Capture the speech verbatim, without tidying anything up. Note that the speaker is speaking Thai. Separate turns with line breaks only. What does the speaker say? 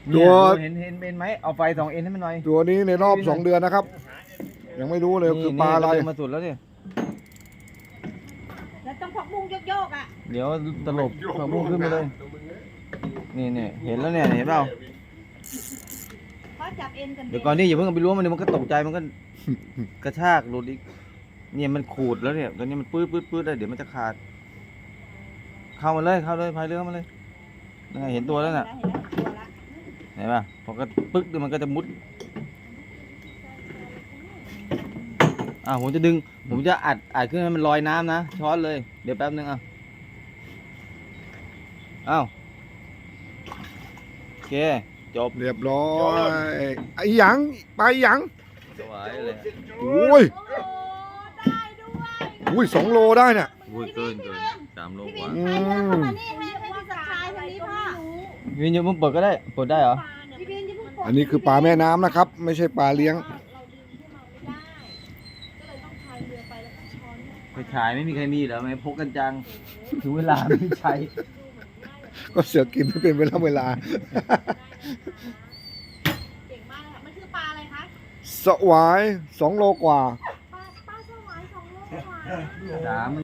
ตัว
เห็นเห็นเอ็นไหมเอาไฟสองเอ็นให้มันหน่อย
ตัวนี้ในรอบสองเดือนนะครับ ยังไม่รู้เลยคือปลาอะไร
นี่มาสุดแล้วเนี่ย
แล้วต้องพักบุ้งโยกๆอ่ะ
เดี๋ยวตลบผักบุ้งขึ้นมาเลยนี่เนี่ยเห็นแล้วเนี่ยเห็นเปล่า
เพราะจับเอ็นกัน
เดี๋ยวก่อนนี่อย่าเพิ่งเอาไปล้วงมันเดี๋ยวมันก็ตกใจมันก็กระชากหลุดอีกเนี่ยมันขูดแล้วเนี่ยตอนนี้มันปื้ดปื้ดปื้ดเลยเดี๋ยวมันจะขาด เข้ามาเลยเข้าเลยพายเรือเข้ามาเลยนั่นไงเห็นตัวแล้วน่ะ
เห็นแล้วตัวละ
เห็นป่ะพอก็ปึ๊กเดี๋ยวมันก็จะมุดอ่าผมจะดึงผมจะอัดอัดขึ้นให้มันลอยน้ำนะช้อนเลยเดี๋ยวแป๊บนึงอ่ะอ้าวโอเคจบ
เรียบร้อยไอ้หยังปลาหยัง
สวยเลย
โอ้ย
โอ้ได้ด้วย
อุ้ยสองโลได้เนี่ย
พูดเกินเกินสามโลกว่า
อื
ให้เดิน
ม
เข้ามานี่ให้ให้พี่สักชายคนนี้พ่อ
วินยูมึงเปิดก็ได้เปิดได้เหรอ
พี่บินจะเพิ่งปลด
อันนี้คือปลาแม่น้ำนะครับ ไม่ใช่ปลาเลี้ยง
ไปฉายไม่มีใครมีเหรอไม่พกกันจังถึงเวลาไม่ใช้
ก็เสือกินไม่เป็นเวลาเวลา
เก่งมากเลยค่ะมันคือปลาอะไรคะ
สวายสองโลกว่า
ปลาปลาสวายสองโลกว่า
สาม